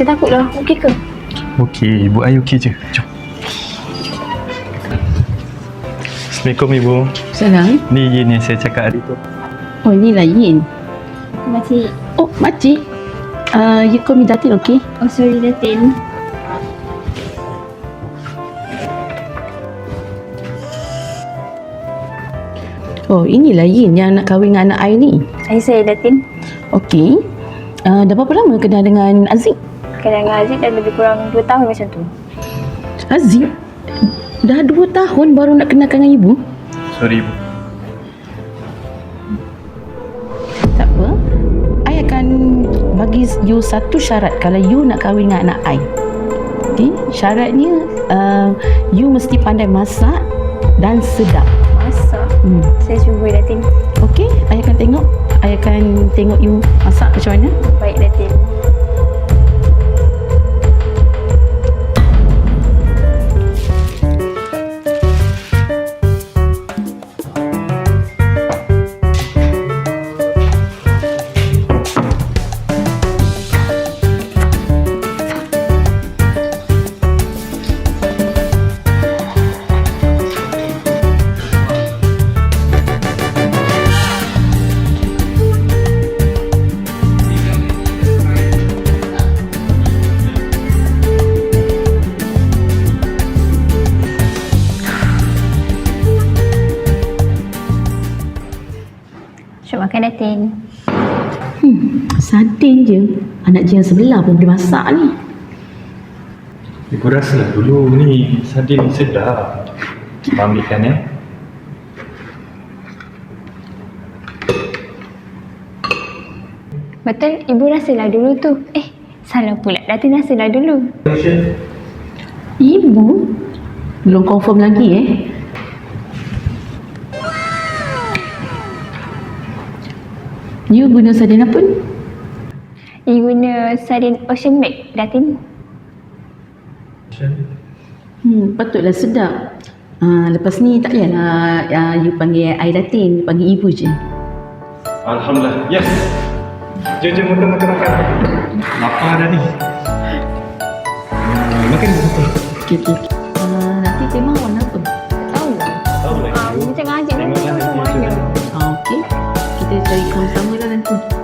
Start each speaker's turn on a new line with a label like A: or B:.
A: Saya takutlah. Okey ke?
B: Okey, Ibu Ai okey je. Jom. Assalamualaikum Ibu.
C: Salam.
B: Ni Yin yang saya cakap hari tu.
C: Oh, inilah Yin.
A: Makcik.
C: Oh, makcik. You call me Datin, okay?
A: Oh, sorry Datin.
C: Oh, inilah Yin yang nak kahwin dengan anak I ni.
A: Saya Datin.
C: Okay. Dah berapa lama kenal dengan Aziz?
A: Kenal dengan Aziz dah lebih kurang 2 tahun macam tu.
C: Aziz? Dah 2 tahun baru nak kenalkan dengan ibu?
B: Sorry Ibu.
C: Tak apa. I akan bagi you satu syarat kalau you nak kahwin dengan anak I. Okay? Syaratnya, you mesti pandai masak dan sedap.
A: Masak. Saya cuba Datin.
C: Okay? I akan tengok. I akan tengok you masak macam mana.
A: Baik Datin. Syuk makan Datin.
C: Sardin je. Anak jiran sebelah pun boleh masak ni.
B: Ibu rasalah dulu ni sardin ni sedap. Abang ambilkan ya.
A: Betul, ibu rasalah dulu tu. Salah pula. Datin rasalah dulu.
C: Ibu? Belum confirm lagi You guna sardin apa ni?
A: You guna sardin Ocean Make Datin.
C: Patutlah sedap. Lepas ni tak payahlah you panggil I Datin, you panggil ibu je.
B: Alhamdulillah. Yes. Jom makan. Lapar dah ni. Makan betul.
C: Okay. Nanti tema warna apa?
A: Tahu lah.
B: Tahu lah.
A: Macam ngajak ni macam mana.
C: Okay. Kita cari sama-sama lah nanti.